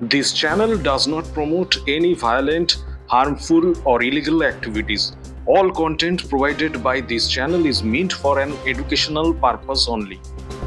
This channel does not promote any violent, harmful, or illegal activities. All content provided by this channel is meant for an educational purpose only.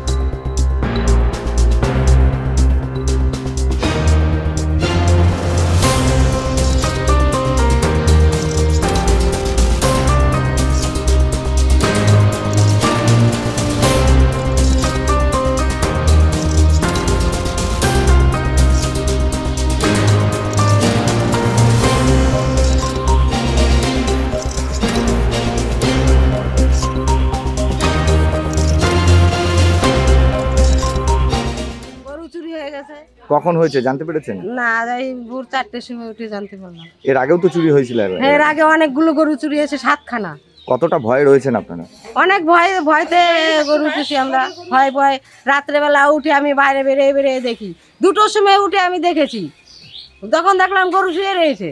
কখন হয়েছে জানতে পেরেছেন? না, এই ভোর 4টের সময় উঠে জানতে পারলাম। এর আগেও তো চুরি হয়েছিল। এর আগে অনেকগুলো গরু চুরি হয়েছে, 7খানা। কতটা ভয় রয়েছেন আপনারা? অনেক ভয়তে গরু পুষি আমরা। ভয় রাত্রেবেলা উঠে আমি বাইরে বেরিয়ে দেখি। 2টোর সময় উঠে আমি দেখেছি, তখন দেখলাম গরু শুয়ে রয়েছে।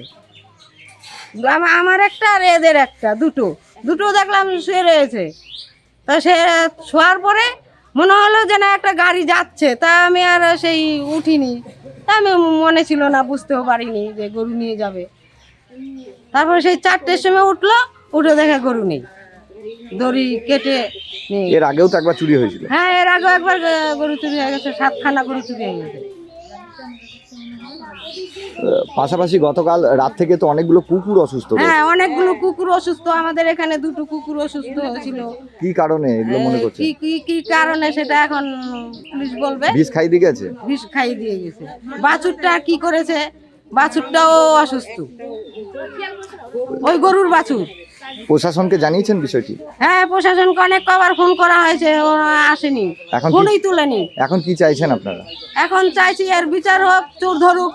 আমার একটা আর এদের একটা, দুটো দেখলাম শুয়ে রয়েছে। তা সে শোয়ার পরে মনে হলো যে না একটা গাড়ি যাচ্ছে, তা আমি আর সেই উঠিনি। তা আমি মনে ছিল না, বুঝতেও পারিনি যে গরু নিয়ে যাবে। তারপরে সেই 4টের সময় উঠে দেখে গরু নেই, দড়ি কেটে নেই। এর আগেও তো একবার চুরি হয়েছিল। হ্যাঁ, এর আগেও একবার গরু চুরি হয়ে গেছে, 7খানা গরু চুরি হয়ে গেছে। পাশাপাশি গতকাল রাত থেকে তো অনেকগুলো কুকুর অসুস্থ। হ্যাঁ, অনেকগুলো কুকুর অসুস্থ। আমাদের এখানে 2টো কুকুর অসুস্থ হয়েছিল। কি কারণে এগুলো মনে করছেন? কি কারণে সেটা এখন পুলিশ বলবে। বিষ খাই দিয়ে গেছে। বিষ খাই দিয়ে গেছে। বাছুরটা কি করেছে, বাছুরটাও অসুস্থ, ওই গরুর বাছুর। প্রশাসনকে জানিয়েছেন বিষয়টি? হ্যাঁ, প্রশাসনকে অনেক কবার ফোন করা হয়েছে, ও আসেনি, ফোনই তুলেনি। এখন কি চাইছেন আপনারা? এখন চাইছি এর বিচার হোক, চোর ধরুক।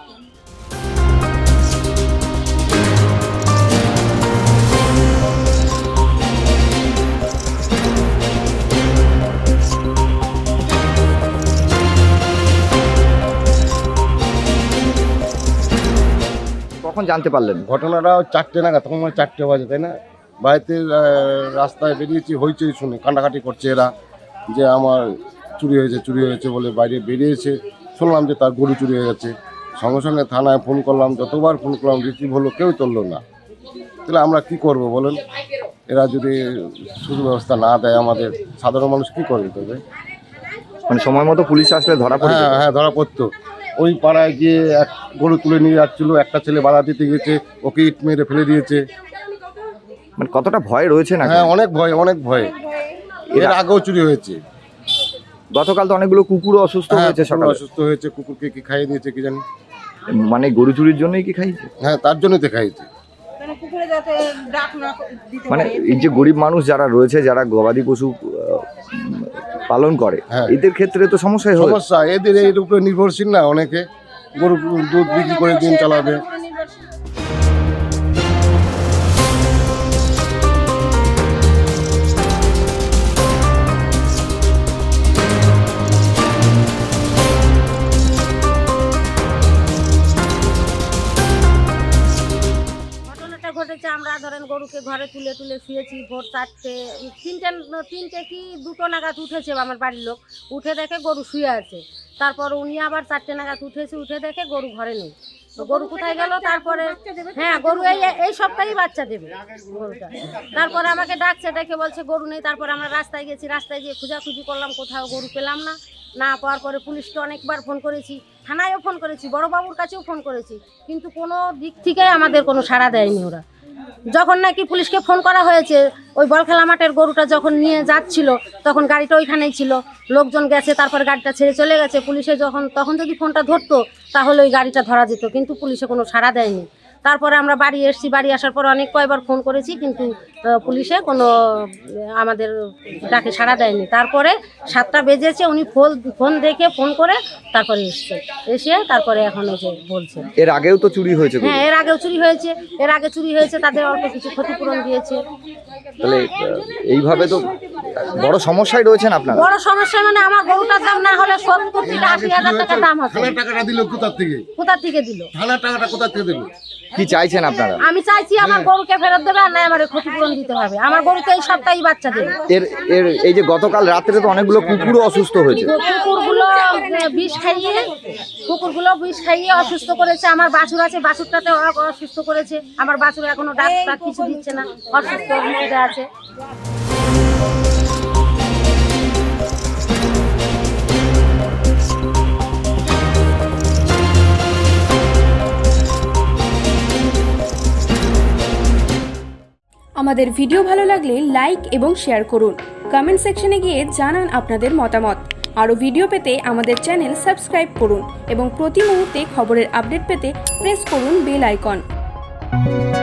কখন জানতে পারলেন? ঘটনাটা 4টে নাগাদ, তখন 4টে বাজে, তাই না? বাড়িতে রাস্তায় বেরিয়েছি, হইচই শুনে কান্নাকাটি করছে এরা, যে আমার চুরি হয়েছে বলে বাইরে বেরিয়েছে। শুনলাম যে তার গরু চুরি হয়ে গেছে। সঙ্গে সঙ্গে থানায় ফোন করলাম, যতবার ফোন করলাম রিসিভ হলো, কেউ তুললো না। তাহলে আমরা কি করব বলেন? এরা যদি সুব্যবস্থা না দেয়, আমাদের সাধারণ মানুষ কি করবে তবে? মানে সময় মতো পুলিশ আসলে ধরা পড়ে? হ্যাঁ, ধরা পড়তো। ওই পাড়ায় গিয়ে এক গরু তুলে নিয়ে যাচ্ছিল, একটা ছেলে বাধা দিতে গেছে, ওকে ইট মেরে ফেলে দিয়েছে। মানে কতটা ভয় রয়েছে না? হ্যাঁ, অনেক ভয়। এর আগেও চুরি হয়েছে। গতকাল তো অনেকগুলো কুকুরও অসুস্থ হয়েছে। সকালে অসুস্থ হয়েছে, কুকুরকে কি খাইয়ে দিয়েছে কি জানি। মানে গরু চুরির জন্যই কি খাইছে? হ্যাঁ, তার জন্যই তো খাইয়েছে। মানে এই যে গরিব মানুষ যারা রয়েছে, যারা গবাদি পশু পালন করে, এদের ক্ষেত্রে তো সমস্যা। এদের এর উপরে নির্ভরশীল না, অনেকে গরু দুধ বিক্রি করে দিন চালাবে। ঘটেছে, আমরা ধরেন গরুকে ঘরে তুলে শুয়েছি। ভোর 3টে কি 2টো নাগাদ উঠেছে আমার বাড়ির লোক, উঠে দেখে গরু শুয়ে আছে। তারপর উনি আবার 4টে নাগাদ উঠেছে, উঠে দেখে গরু ঘরে নেই। তো গরু কোথায় গেল? তারপরে হ্যাঁ, গরু এই সপ্তাহেই বাচ্চা দেবে গরুটা। তারপরে আমাকে ডাকছে, ডেকে বলছে গরু নেই। তারপরে আমরা রাস্তায় গিয়ে খোঁজাখুঁজি করলাম, কোথাও গরু পেলাম না পাওয়ার পরে পুলিশকে অনেকবার ফোন করেছি, থানায়ও ফোন করেছি, বড়বাবুর কাছেও ফোন করেছি, কিন্তু কোনো দিক থেকে আমাদের কোনো সাড়া দেয়নি ওরা। যখন নাকি পুলিশকে ফোন করা হয়েছে, ওই বলখেলা মাঠের গরুটা যখন নিয়ে যাচ্ছিল, তখন গাড়িটা ওইখানেই ছিল, লোকজন গেছে, তারপর গাড়িটা ছেড়ে চলে গেছে। পুলিশে তখন যদি ফোনটা ধরতো তাহলে ওই গাড়িটা ধরা যেত, কিন্তু পুলিশে কোনো সাড়া দেয়নি। তারপরে আমরা বাড়ি এসেছি, বাড়ি আসার পর কয়েকবার ফোন করেছি, কিন্তু পুলিশে কোনো আমাদের ডাকে সাড়া দেয়নি। তারপরে 7টা বেজেছে, উনি ফোন দেখে ফোন করে তারপরে এসে তারপরে এখন এসে বলছে। এর আগেও তো চুরি হয়েছে। হ্যাঁ, এর আগেও চুরি হয়েছে, তাদের অল্প কিছু ক্ষতিপূরণ দিয়েছে। তাহলে এইভাবে তো বড় সমস্যায় রয়েছেন আপনারা। বড় সমস্যা মানে আমার গরুটার দাম না হলে 70 থেকে 80,000 টাকা দাম আছে। থানার টাকাটা দিল কোথা থেকে দিল? থানার টাকাটা কোথা থেকে দিল? কি চাইছেন আপনারা? আমি চাইছি আমার গরুকে ফেরত দেবে, আর না আমার ক্ষতিপূরণ দিতে হবে। আমার গরুতে এই সপ্তাহে বাচ্চা দেবে। এর এর এই যে গতকাল রাত্রে তো অনেকগুলো কুকুরও অসুস্থ হয়েছে। কুকুরগুলো বিষ খাইয়ে অসুস্থ করেছে। আমার বাছুর আছে, বাছুরটাতে অসুস্থ করেছে। আমার বাছুর এখনো ডাক্তার কিছু দিচ্ছে না, অসুস্থ মধ্যে আছে। আমাদের ভিডিও ভালো লাগলে লাইক এবং শেয়ার করুন। কমেন্ট সেকশনে গিয়ে জানান আপনাদের মতামত। আরও ভিডিও পেতে আমাদের চ্যানেল সাবস্ক্রাইব করুন এবং প্রতি মুহূর্তে খবরের আপডেট পেতে প্রেস করুন বেল আইকন।